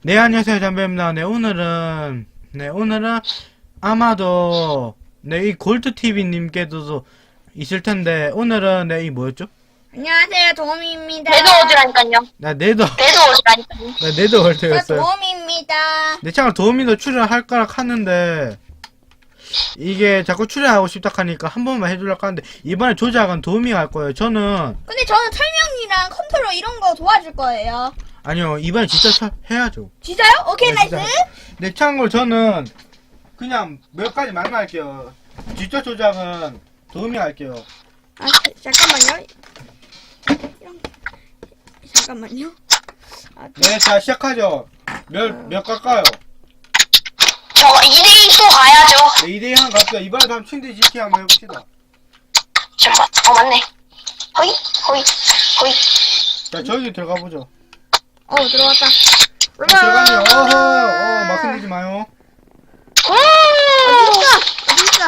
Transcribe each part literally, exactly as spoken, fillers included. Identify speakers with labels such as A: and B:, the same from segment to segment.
A: 네, 안녕하세요. 담배입니다. 네, 오늘은, 네, 오늘은 아마도, 네, 이 골드티비님께도 있을 텐데, 오늘은, 네, 이 뭐였죠?
B: 안녕하세요, 도미입니다.
C: 네드워즈라니까요.
A: 나 네더,
C: 네드워즈라니까요.
A: 나 네더월드였어요.
B: 도미입니다.
A: 내 창을 도우미도 출연할 거라 하는데, 이게 자꾸 출연하고 싶다 하니까 한 번만 해주려고 하는데, 이번에 조작은 도우미가 할 거예요. 저는,
B: 근데 저는 설명이랑 컨트롤 이런 거 도와줄 거예요.
A: 아니요, 이번에 진짜 차, 해야죠.
B: 진짜요? 오케이,
A: 네,
B: 나이스.
A: 진짜. 네, 참고로 저는, 그냥 몇 가지 말할게요. 직접 조작은 도우미가 할게요.
B: 아, 잠깐만요. 이런 거. 잠깐만요. 아,
A: 네, 자, 시작하죠. 몇, 몇 갈까요?
C: 저 이 대이 또 가야죠.
A: 네, 이 대이 한 갑시다. 이번에도 한번 침대 지키 한번 해봅시다.
C: 잠깐만. 어, 맞네. 호이, 호이, 호이.
A: 자, 저기 들어가 보죠.
B: 어, 들어왔다.
A: 어, 들어가네요. 어허, 어, 막 흔들지 마요.
C: 음!
B: 어딨어? 어딨어?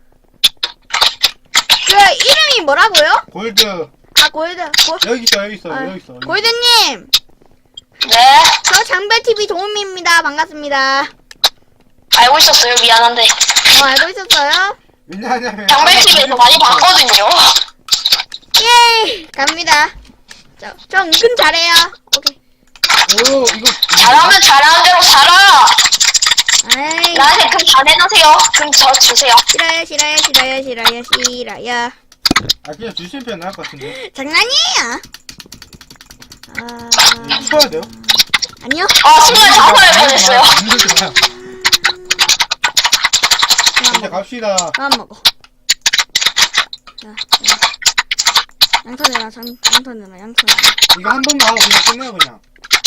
B: 그, 이름이 뭐라고요?
A: 골드.
B: 아, 골드. 고,
A: 여기 있어, 여기 있어,
B: 아,
A: 여기 있어. 여기.
B: 골드님!
C: 네.
B: 저 장별티비 도우미입니다. 반갑습니다.
C: 알고 있었어요. 미안한데.
B: 어, 알고 있었어요?
A: 왜냐하면.
C: 장별티비에서 많이 봤거든요.
B: 예! 갑니다. 저, 저 은근 잘해요. 오케이.
A: 오, 이거.
C: 잘하면 잘하는 대로 살아.
B: 아이.
C: 나한테 금 다 내놓으세요. 금 저 주세요.
B: 싫어요, 싫어요, 싫어요, 싫어요, 싫어요.
A: 아, 그냥 주시면 편할 것 같은데.
B: 장난이에요. 아,
A: 쳐야 돼요?
B: 아니요.
C: 아, 순간 자살할 뻔했어요.
A: 흔들지 마요.
B: 그만
A: 이제
B: 먹어.
A: 갑시다.
B: 그만 먹어. 자, 자. 양털 내놔, 장, 양털 내놔, 양털 내놔.
A: 이거 한 번만 하고 그냥 끝내요, 그냥.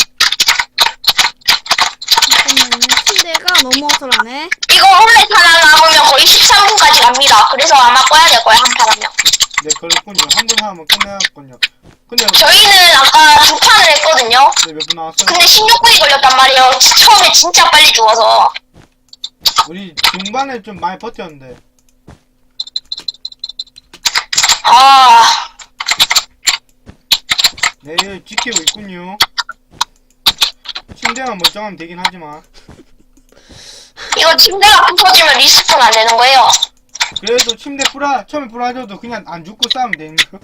B: 잠깐만요. 침대가 너무 어설하네.
C: 이거 홈렛 하나 남으면 거의 십삼 분까지 갑니다. 그래서 아마 꺼야 될 거예요. 한 판 하면.
A: 네, 그렇군요. 한 번 하면 끝내야겠군요. 근데,
C: 저희는 아까 두 판을 했거든요.
A: 네, 몇 분 나왔어요?
C: 근데 십육 분이 걸렸단 말이에요. 처음에 진짜 빨리 죽어서.
A: 우리 중반에 좀 많이 버텼는데.
C: 아,
A: 네, 지키고 있군요. 침대만 멀쩡하면 되긴 하지만.
C: 이거 침대가 부서지면 리스폰 안 되는 거예요.
A: 그래도 침대 뿌라, 처음에 뿌라져도 그냥 안 죽고 싸우면 되는 거.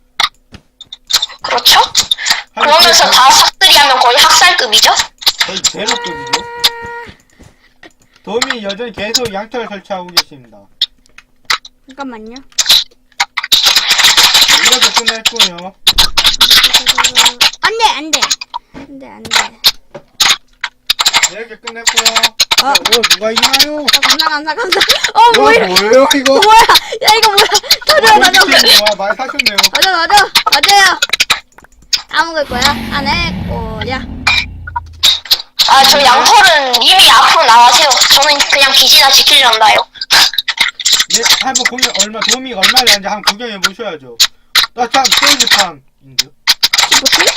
C: 그렇죠? 그러면서 다 싹들이 하면 거의 학살급이죠?
A: 거의 제로급이죠. 도움이 여전히 계속 양털 설치하고 계십니다.
B: 잠깐만요.
A: 이렇게 끝냈군요.
B: 안 돼, 안 돼. 안 돼, 안 돼.
A: 네, 이렇게 끝냈고요.
B: 어.
A: 자, 오, 누가 이기나요?
B: 어, 감사, 감사, 감사. 어,
A: 이거
B: 뭐야.
A: 뭐예요, 이거?
B: 뭐야. 야, 이거 뭐야. 터져, 터져.
A: 와, 많이 사셨네요.
B: 맞아, 맞아, 맞아요. 다 먹을 거야? 안 해, 꼬야.
C: 아, 저 양털은 이미 앞으로 나가세요. 저는 그냥 기지나 지키려나요.
A: 네, 한번 공연, 얼마, 도움이가 얼마 되는지 한번 구경해 보셔야죠. 나 참, 스테이지판인데요?
B: 뭐지?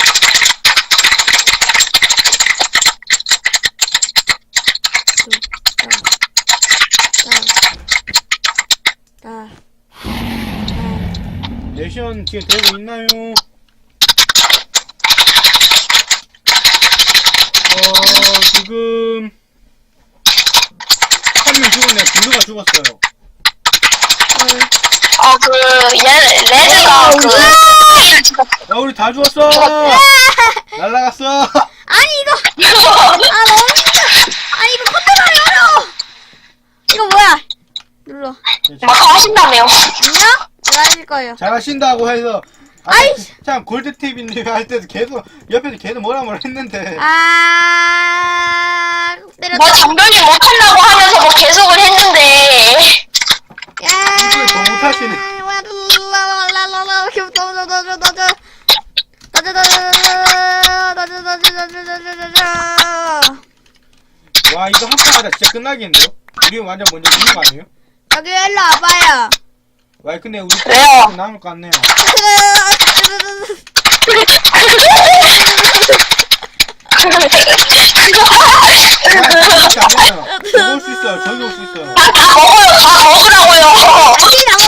B: 자, 자,
A: 내션 지금 되고 있나요? 어, 지금, 한 명 죽었네요. 블루가 죽었어요.
C: 어, 그, 얘, 레드가 그, 스테이를 찍었어요.
A: 야, 우리 다 죽었어! 날라갔어!
B: 아니 이거, 아 너무 힘들어. 아니 이거 컨트롤이 어려워. 이거 뭐야? 눌러.
C: 막 하신다며요.
B: 안녕? 제가 해줄 거예요.
A: 잘하신다고 해서, 아,
B: 아이씨.
A: 참, 골드티비님 할 때도 계속, 옆에서 계속 뭐라 뭐라 했는데.
B: 아, 때렸다.
C: 뭐 장별이 못한다고 하면서 뭐 계속을 했는데.
B: 야,
A: 이걸 더 못하시네.
B: 와, 랄랄랄랄랄랄. 이렇게 넣어줘, 넣어줘, 넣어줘. 넣어줘, 넣어줘, 넣어줘, 넣어줘, 넣어줘, 넣어줘, 넣어줘.
A: 와, 이거 한 판 하다 진짜 끝나겠는데요? 우리 완전 먼저 죽는 거 아니에요?
B: 여기 일로 와봐요.
A: 와, 근데 우리
C: 왜요?
A: 좀 남을 것 같네요. 아, 저기 올 수 있어요. 저기 올 수 있어요.
C: 아, 다 먹어요. 다 먹으라고요.
B: 여기 다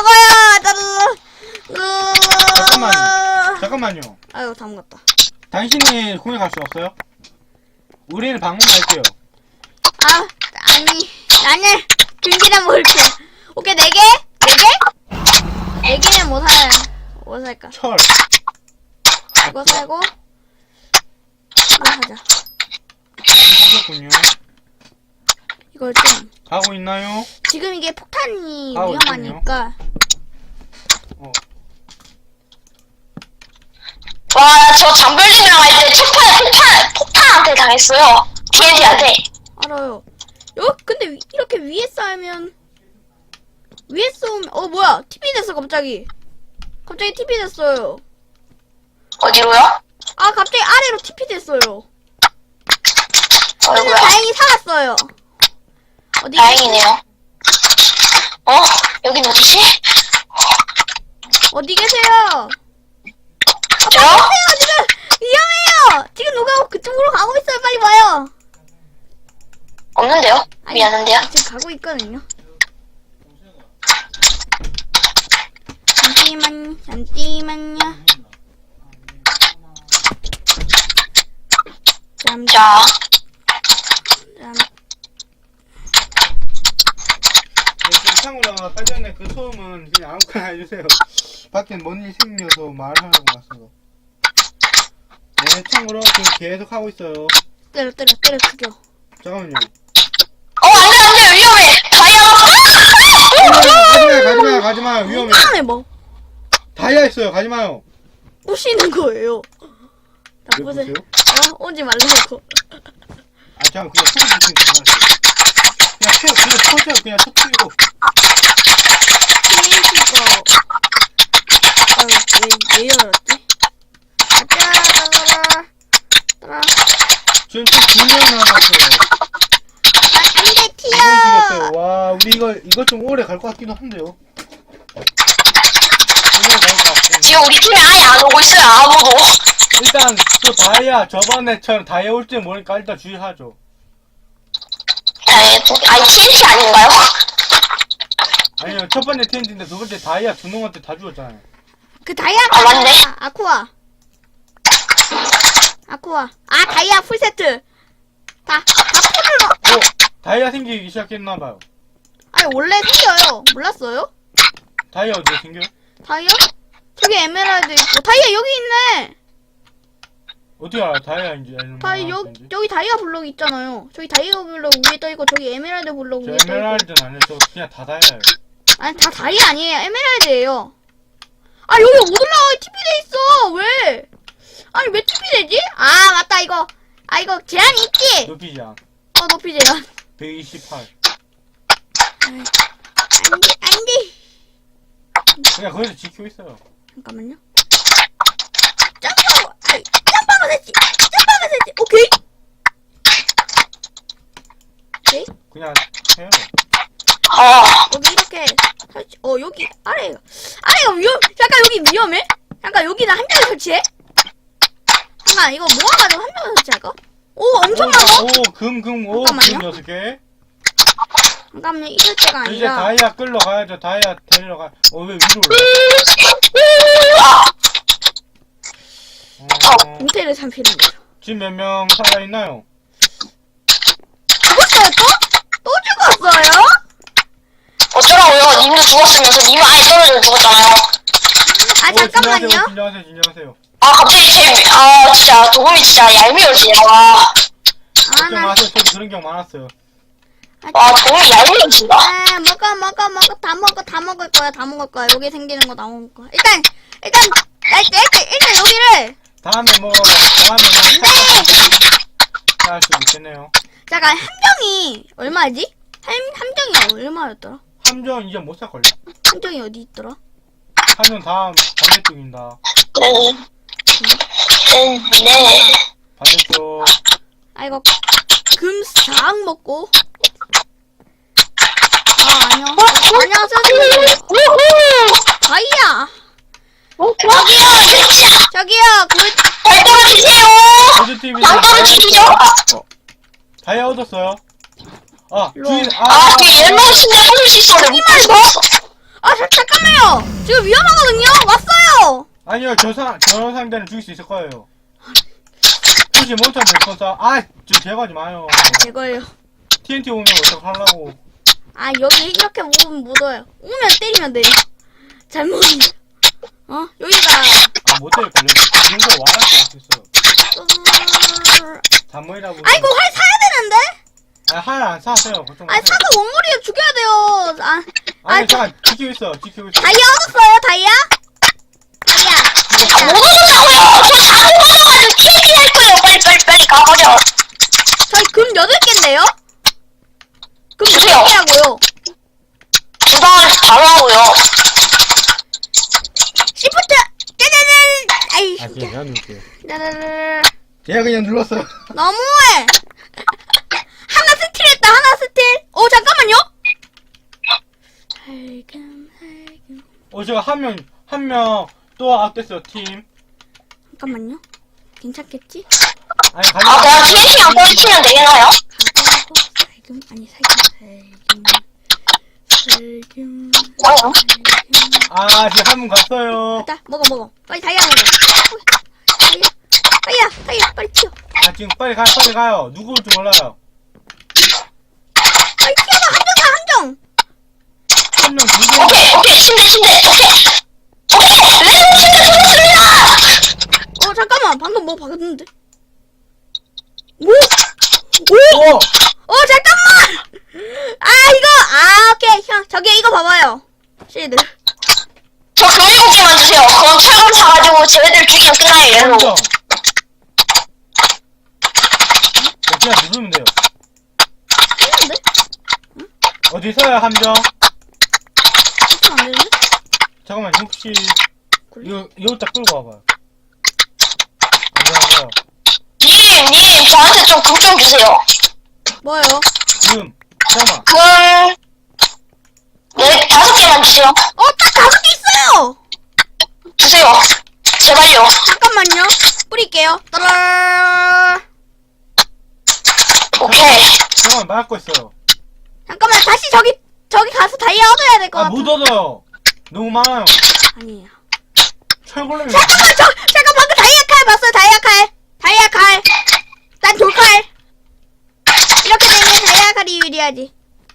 B: 먹어요.
A: 잠깐만요. 잠깐만요.
B: 아유, 다 먹었다.
A: 당신이 공연 갈 수 없어요? 우리는 방문할게요.
B: 아, 아니, 나는 김치랑 먹을게. 오케이, 네 개? 네 개? 네 개는 뭐 살, 뭐 살까?
A: 철.
B: 이거 살고, 이거 사자.
A: 하셨군요.
B: 이걸 좀.
A: 가고 있나요?
B: 지금 이게 폭탄이
A: 아,
B: 위험하니까.
A: 어.
C: 와, 저 장별님이랑 할 때 첫판에 폭탄, 폭탄한테 당했어요. 티엔티한테.
B: 알아요. 여, 근데 위- 이렇게 위에 쌓으면, 위에 쏘면, 어, 뭐야. 티비 됐어, 갑자기. 갑자기 티비 됐어요.
C: 어디로요?
B: 아, 갑자기 아래로 티비 됐어요. 저는
C: 어이구야.
B: 다행히 살았어요. 어디
C: 다행이네요. 어? 여긴 어디지?
B: 어디 계세요?
C: 저요?
B: 아, 지금 위험해요. 지금 누가 그쪽으로 가고 있어요. 빨리 와요.
C: 없는데요?
B: 아니,
C: 미안한데요?
B: 지금 가고 있거든요. 잠시만, 잠시만요. 잠,
C: 자,
B: 잠.
A: 네, 참고로 사전에 그 소음은 그냥 아무거나 해주세요. 밖에 뭔 일 생겨서 말하려고 왔어요. 네, 참고로 지금 계속 하고 있어요.
B: 때려, 때려, 때려 죽여.
A: 잠깐만요.
C: 어, 안 돼, 안 돼, 위험해! 다이아!
A: 가지마요, 가지마요, 가지마요. 위험해.
B: 이상해 뭐.
A: 다이아 있어요. 가지마요.
B: 부시는 거예요. 나
A: 왜
B: 보세요.
A: 보세요?
B: 어, 오지 말라고.
A: 아, 잠깐 그냥 소리 듣는 거 알았어요. 그냥 쳐, 그냥 쳐줘요. 그냥 쳐뜨리고.
B: 티엔티가 아유 왜, 왜 열었지? 아따 따라
A: 지금 좀두명 남았어요.
B: 안돼
A: 두명
B: 튀어.
A: 죽였어요. 와, 우리 이거 이거 좀 오래 갈 것 같기도 한데요. 오래 갈것 같고.
C: 지금 우리 팀에 아예 안 오고 있어요, 아무도.
A: 일단 저 다이아 저번에처럼 다이아 올 줄 모르니까 일단 주의하죠.
C: 아니, 아니, 티엔티 아닌가요?
A: 아니요, 첫 번째 텐트인데 두 번째 다이아 두 놈한테 다 죽었잖아요.
B: 그 다이아
C: 아, 맞네.
B: 아쿠아 아쿠아 아 다이아 풀세트 다다 풀로.
A: 어, 다이아 생기기 시작했나봐요.
B: 아니 원래 생겨요. 몰랐어요?
A: 다이아 어디에 생겨요?
B: 다이아? 저기 에메랄드 있고 다이아 여기 있네.
A: 어떻게 알아? 다이아인지 아니면
B: 다이 여,
A: 뭐인지?
B: 여기 다이아 블록 있잖아요. 저기 다이아 블록 위에 떠있고 저기 에메랄드 블록
A: 저
B: 위에 떠있고.
A: 에메랄드는 아니에요. 저 그냥 다 다이아예요.
B: 아니 다 다이아 아니에요. 에메랄드예요. 아 여기 못 올라가. 티비 돼 있어. 왜? 아니 왜 티비 되지? 아 맞다 이거. 아 이거 제한이 있지?
A: 높이지 않.
B: 어 높이 제한.
A: 백이십팔.
B: 안돼 안돼.
A: 그냥 거기서 지키고 있어요.
B: 잠깐만요. 점프하고 아이 점프하고 됐지. 점프하고 됐지. 오케이. 오케이.
A: 그냥 해요.
C: 어,
B: 여기 이렇게 설치. 어 여기 아래가 아래가 위험. 잠깐 여기 위험해? 잠깐 여기다 한 명을 설치해? 잠깐 이거 모아가지고 한 명을 설치할까? 오 엄청 많아.
A: 오, 금, 금, 오,
B: 잠깐만요.
A: 금 여섯 개.
B: 잠깐만요 이럴 때가
A: 이제
B: 아니라.
A: 다이아 끌러 가야죠. 다이아 데리러 가. 어, 왜 위로 올라?
C: 아,
A: 어,
B: 공태를 삼키는 거죠.
A: 지금 몇 명 살아있나요?
B: 죽었어요 또? 또 죽었어요?
C: 어쩌라고요? 님도 죽었으면서 님은 아예 떨어져 죽었잖아요.
B: 아
A: 오,
B: 잠깐만요.
A: 진정하세요, 진정하세요, 진정하세요.
C: 아, 갑자기 제, 아, 진짜, 도금이 진짜 얄미워지네, 와.
A: 걱정
B: 아나
A: 마세요. 저도 그런 경우 많았어요.
C: 와, 도금이 얄미워진다.
B: 아, 먹어 먹어 먹어 다 먹어 다 먹을 거야 다 먹을 거야. 여기 생기는 거 다 먹을 거야. 일단 일단 나 일단 일단 여기를
A: 다음에 뭐, 다음에 뭐, 할 수도 있겠네요.
B: 잠깐 함정이 얼마지? 함 함정이 얼마였더라?
A: 함정 이제 못 살걸요.
B: 함정이 어디 있더라?
A: 함정 다음 반대쪽입니다.
C: 네. 네, 네.
A: 반대쪽.
B: 아 이거 금 싹 먹고. 아 아니요. 안녕하세요.
C: 우후!
B: 다이아.
C: 저기요, 진짜!
B: 저기요 그
C: 잘 떨어지세요!
A: 골드티비.
C: 안 떨어지시죠?
A: 다이아 얻었어요. 아,
B: 일로
A: 주인,
B: 와.
C: 아, 그 옐로우 신데 해줄 수 있었는데 못할 수가 없어.
B: 아, 자, 잠깐만요. 지금 위험하거든요. 왔어요.
A: 아니요, 저 사, 저 상대는 죽일 수 있을 거예요. 혹시 혹시 몬스터 못 쏴? 아, 좀 제거하지 마요.
B: 이거요.
A: 티엔티 오면 어떡하려고.
B: 아, 여기 이렇게 오면 못 와요. 오면 때리면 돼요. 잘못. 어? 여기가.
A: 아, 모텔 걸려. 이런 거 와라 수 있어. 잠모이라고.
B: 아이고, 활 사야 되는데?
A: 아, 하나 안 사세요. 걱정
B: 아니,
A: 마세요.
B: 사서 원거리에 죽여야 돼요. 아,
A: 아니,
B: 아,
A: 잠깐, 지키고 있어, 지키고 있어.
B: 다이아 얻었어요, 다이아? 다이아.
C: 못 얻었다고요! 저 잘못 얻어가지고 티엔티 할 거예요! 빨리, 빨리, 빨리 가버려!
B: 저희 금 여덟 개인데요? 금
C: 주세요.
B: 여덟 개라고요.
C: 두방 바로 하고요.
B: 시프트! 짜자잔! 아이,
A: 아,
B: 진짜.
A: 제가 누를게요.
B: 짜자잔.
A: 제가 그냥 눌렀어요.
B: 너무해! 하나 스틸 했다, 하나 스틸! 어, 잠깐만요? 살금, 살금.
A: 어, 제가 한 명, 한 명 또 아웃됐어요, 팀.
B: 잠깐만요. 괜찮겠지?
A: 아니,
C: 아, 그냥 티엔티 안 꽂히면 되겠나요?
B: 가고, 살금, 아니, 살금, 살금. 살금.
C: 뭐요?
B: 살금.
A: 아, 지금 한 분 갔어요.
B: 갔다, 먹어, 먹어. 빨리 다이아 먹어. 다이아, 다이아, 다이아, 빨리 튀어.
A: 아, 지금 빨리 가요, 빨리 가요. 누구 올줄 몰라요.
B: 빨리 튀어봐, 한정 가, 한정!
A: 한 명, 두 명.
C: 오케이, 오케이, 침대, 침대, 오케이! 오케이! 레드 침대 들었습니다!
B: 어, 잠깐만, 방금 뭐 봤는데? 오! 오!
A: 오!
B: 어, 잠깐만! 아, 이거! 아, 오케이. 형, 저기 이거 봐봐요. 실드.
C: 저 금 일곱 개만 주세요. 그럼 철검 사가지고 쟤네들 죽이면 끝나요, 얘로.
A: 한정. 어, 그냥 누르면 돼요.
B: 했는데?
A: 어디 있어요, 함정?
B: 어떻게 안 되는데?
A: 잠깐만, 혹시, 이거, 이거 딱 끌고 와봐요. 안녕하세요.
C: 님, 님, 저한테 좀 금 좀 주세요.
B: 뭐요?
A: 지금, 잠깐만.
C: 금, 네, 다섯 개만 주세요.
B: 어, 딱 다섯 개 있어요!
C: 주세요. 제발요.
B: 잠깐만요. 뿌릴게요. 따라.
C: 오케이.
A: 잠깐만, 막고 있어요.
B: 잠깐만, 다시 저기, 저기 가서 다이아 얻어야 될 것
A: 아,
B: 같아.
A: 못 얻어요. 너무 많아요.
B: 아니에요.
A: 철골렘이.
B: 잠깐만, 저, 잠깐 방금 다이아 칼 봤어요, 다이아 칼. 다이아 칼. 난 돌칼. 이렇게 되면 다이아 칼이 유리하지.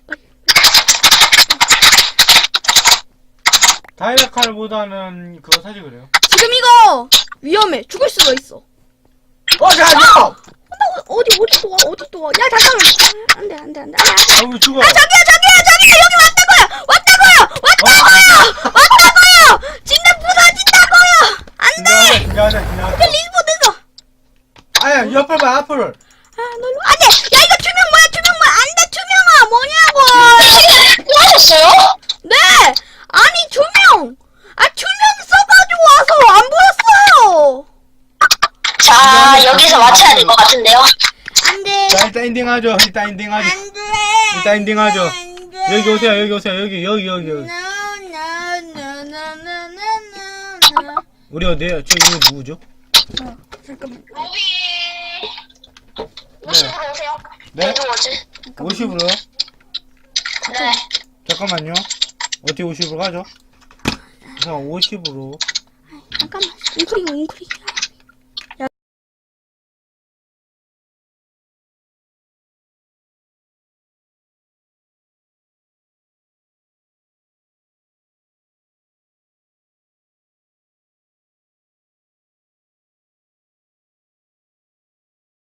A: 다이아칼보다는 그거 사지 그래요.
B: 지금 이거 위험해. 죽을 수도 있어.
A: 어, 잠깐만요!
B: 나 어디, 어디 또 와, 어디 또 와. 야, 잠깐만. 안 돼, 안 돼, 안 돼. 아, 아,
A: 여기 죽어요.
B: 아, 저기요, 저기요, 저기요. 여기 왔다고요. 왔다고요. 왔다고요. 왔다고요. 진짜 부서진다고요. 안 돼.
A: 지나가자, 지나가자,
B: 이게
A: 지나가자.
B: 리스폰돼서.
A: 아야, 옆을 봐, 앞을.
B: 아, 널로. 안 돼. 야, 이거 투명 뭐야, 투명 뭐야. 안 돼, 투명아. 뭐냐고.
C: 뭐 하셨어요?
B: 네. 아니, 투명. 아, 투명 써가지고 와서 안 보였어요.
C: 자, 여기서 맞춰야 될 것 같은데요.
B: 안 돼.
A: 자, 일단 엔딩하죠. 일단 엔딩하죠.
B: 안 돼.
A: 일단 엔딩하죠.
B: 안 돼.
A: 여기 오세요, 여기 오세요. 여기, 여기, 여기, 여기.
B: No, no, no, no, no, no, no.
A: 우리 어디에요? 저, 이거 누구죠?
B: 어, 잠깐만.
C: 로비. 오십으로 오세요.
A: 네?
C: 에드워즈.
A: 오십으로요?
C: 네.
A: 잠깐만요. 어떻게 오십으로 가죠? 자, 오십으로.
B: 잠깐만. 웅크리고 웅크리고.